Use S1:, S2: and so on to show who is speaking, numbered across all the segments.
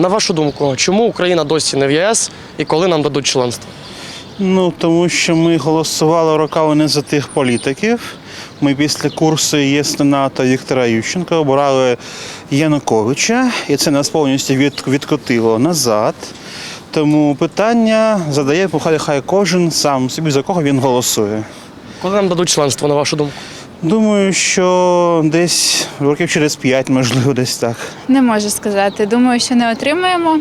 S1: На вашу думку, чому Україна досі не в ЄС і коли нам дадуть членство?
S2: Тому що ми голосували роками не за тих політиків. Ми після курсу ЄС на НАТО Віктора Ющенка обирали Януковича, і це нас повністю відкотило назад. Тому питання задає хай кожен сам собі, за кого він голосує.
S1: Коли нам дадуть членство, на вашу думку?
S2: Думаю, що десь років через 5, можливо, десь так.
S3: Не можу сказати. Думаю, що не отримаємо.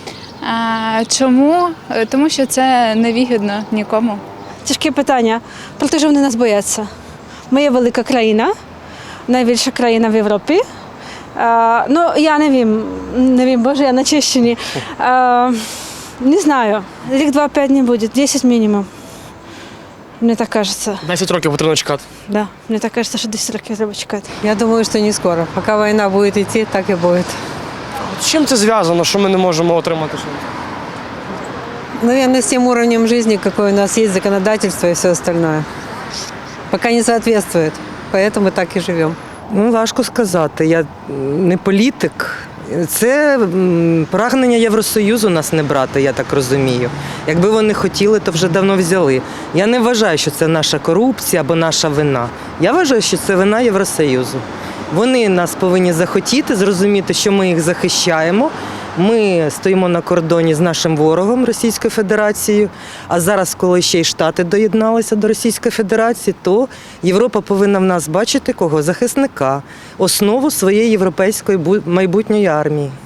S3: Чому? Тому що це невигідно нікому.
S4: Тяжке питання. Про те, що вони нас бояться. Ми є велика країна, найбільша країна в Європі. Я не вім, боже, я на Чещині. Не знаю, рік-два-5 не буде, 10 мінімум. Мені так кажеться.
S1: 10 років потрібно чекати.
S4: Да, мені так кажеться, що 10 років треба чекати.
S5: Я думаю, что не скоро. Пока война будет идти, так и будет.
S1: З чим це зв'язано, що ми не можемо отримати членство?
S5: Наверное, с тем уровнем жизни, какой у нас есть, законодательство и все остальное. Пока не соответствует. Поэтому так и живем.
S6: Важко сказати. Я не політик. Це прагнення Євросоюзу нас не брати, я так розумію. Якби вони хотіли, то вже давно взяли. Я не вважаю, що це наша корупція або наша вина. Я вважаю, що це вина Євросоюзу. Вони нас повинні захотіти, зрозуміти, що ми їх захищаємо. Ми стоїмо на кордоні з нашим ворогом Російською Федерацією, а зараз, коли ще й Штати доєдналися до Російської Федерації, то Європа повинна в нас бачити кого? Захисника, основу своєї європейської майбутньої армії.